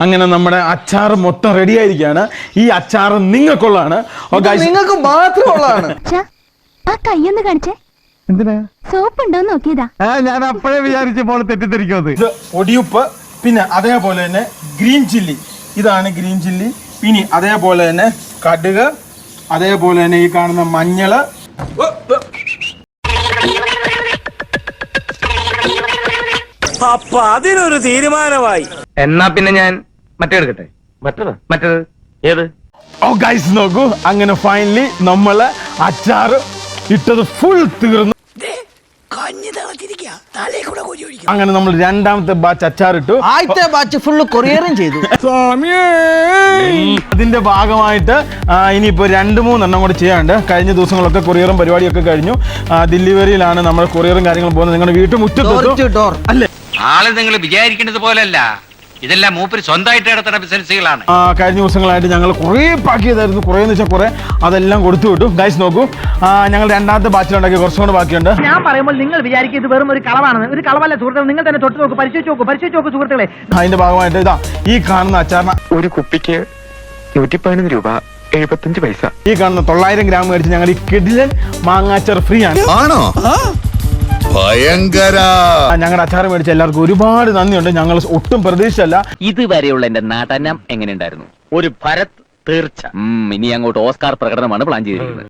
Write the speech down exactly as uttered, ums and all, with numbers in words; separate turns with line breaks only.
അങ്ങനെ നമ്മുടെ അച്ചാർ മൊത്തം റെഡി ആയിരിക്കുകയാണ്. ഈ അച്ചാർ നിങ്ങൾക്കുള്ളതാണ്,
നിങ്ങൾക്ക് മാത്രമുള്ളതാണ്.
ആ കയ്യൊന്ന് കാണിച്ചേ.
എന്തിനാ?
സോപ്പ് ഉണ്ടോ നോക്കിയതാ.
ഞാൻ അപ്പോഴേ വിചാരിച്ചപ്പോൾ തെറ്റിദ്ധരിക്കുന്നത്.
ഇത് പൊടിയുപ്പ്, പിന്നെ അതേപോലെ തന്നെ ഗ്രീൻ ചില്ലി, ഇതാണ് ഗ്രീൻ ചില്ലി. പിന്നെ അതേപോലെ തന്നെ കടുക്, അതേപോലെ തന്നെ ഈ കാണുന്ന മഞ്ഞള്.
അപ്പൊ അതിനൊരു തീരുമാനമായി.
എന്നാ പിന്നെ ഞാൻ മറ്റേ എടുക്കട്ടെ. മറ്റേത് മറ്റേത് ഏത്?
ഓ ഗൈസ് നോക്കൂ, അങ്ങനെ ഫൈനലി നമ്മള് അച്ചാർ ഇട്ടത് ഫുൾ തീർന്നു. അങ്ങനെ നമ്മൾ രണ്ടാമത്തെ ബാച്ച് അച്ചാർ ഇട്ടു.
ആദ്യത്തെ ബാച്ച് ഫുള്ള് കൊറിയറും ചെയ്തു.
അതിന്റെ ഭാഗമായിട്ട് ഇനിയിപ്പോ രണ്ട് മൂന്നെണ്ണം കൂടെ ചെയ്യാണ്ട്. കഴിഞ്ഞ ദിവസങ്ങളൊക്കെ കൊറിയറും പരിപാടിയൊക്കെ കഴിഞ്ഞു. ഡെലിവറിയിലാണ് നമ്മുടെ കൊറിയറും കാര്യങ്ങളും പോകുന്നത്. നിങ്ങളുടെ വീട്ടുമുറ്റത്ത് അല്ലേ?
ആള് നിങ്ങൾ വിചാരിക്കുന്നത് പോലല്ല, ഇതെല്ലാം മൂപ്പര് സ്വന്തമായിട്ട് നടത്തുന്ന ബിസിനസ്സുകളാണ്.
കഴിഞ്ഞ ദിവസങ്ങളായിട്ട് ഞങ്ങൾ കുറേ പാക്ക് ചെയ്തായിരുന്നു. കുറേ എന്ന് വെച്ചാൽ കുറേ അതെല്ലാം കൊടുത്തു വിട്ടു. ഗൈസ് നോക്കൂ, ഞങ്ങൾ രണ്ടാമത്തെ ബാച്ചിലുണ്ടാക്കി കുറച്ചും കൂടെ ബാക്കിയുണ്ട്.
ഞാൻ പറയുമ്പോൾ നിങ്ങൾ വിചാരിക്കും ഇത് വെറും ഒരു കളവാണ്. ഒരു കളവല്ല സുഹൃത്തുക്കൾ, നിങ്ങൾ തന്നെ തൊട്ട് നോക്കൂ, പരിശോധിച്ച് നോക്കൂ, പരിശോധിച്ച് നോക്കൂ സുഹൃത്തുക്കളെ.
അതിന്റെ ഭാഗമായിട്ട് ഇതാ ഈ കാണുന്ന അച്ചാറിന്
ഒരു കുപ്പിക്ക് നൂറ്റി പതിനൊന്ന് രൂപ എഴുപത്തഞ്ച് പൈസ.
ഈ കാണുന്ന തൊള്ളായിരം ഗ്രാം മേടിച്ച് ഞങ്ങൾ ഈ കിടിലൻ മാങ്ങാച്ചാർ ഫ്രീ ആണ്.
ആണോ? ഭയങ്കര.
ഞങ്ങളുടെ അച്ചാർ മേടിച്ച എല്ലാവർക്കും ഒരുപാട് നന്ദിയുണ്ട്. ഞങ്ങൾ ഒട്ടും പ്രതീക്ഷിച്ചല്ല.
ഇതുവരെയുള്ള എന്റെ നടനം എങ്ങനെയുണ്ടായിരുന്നു? ഒരു ഭരത് തീർച്ച. ഇനി അങ്ങോട്ട് ഓസ്കാർ പ്രകടനമാണ് പ്ലാൻ ചെയ്തിരിക്കുന്നത്.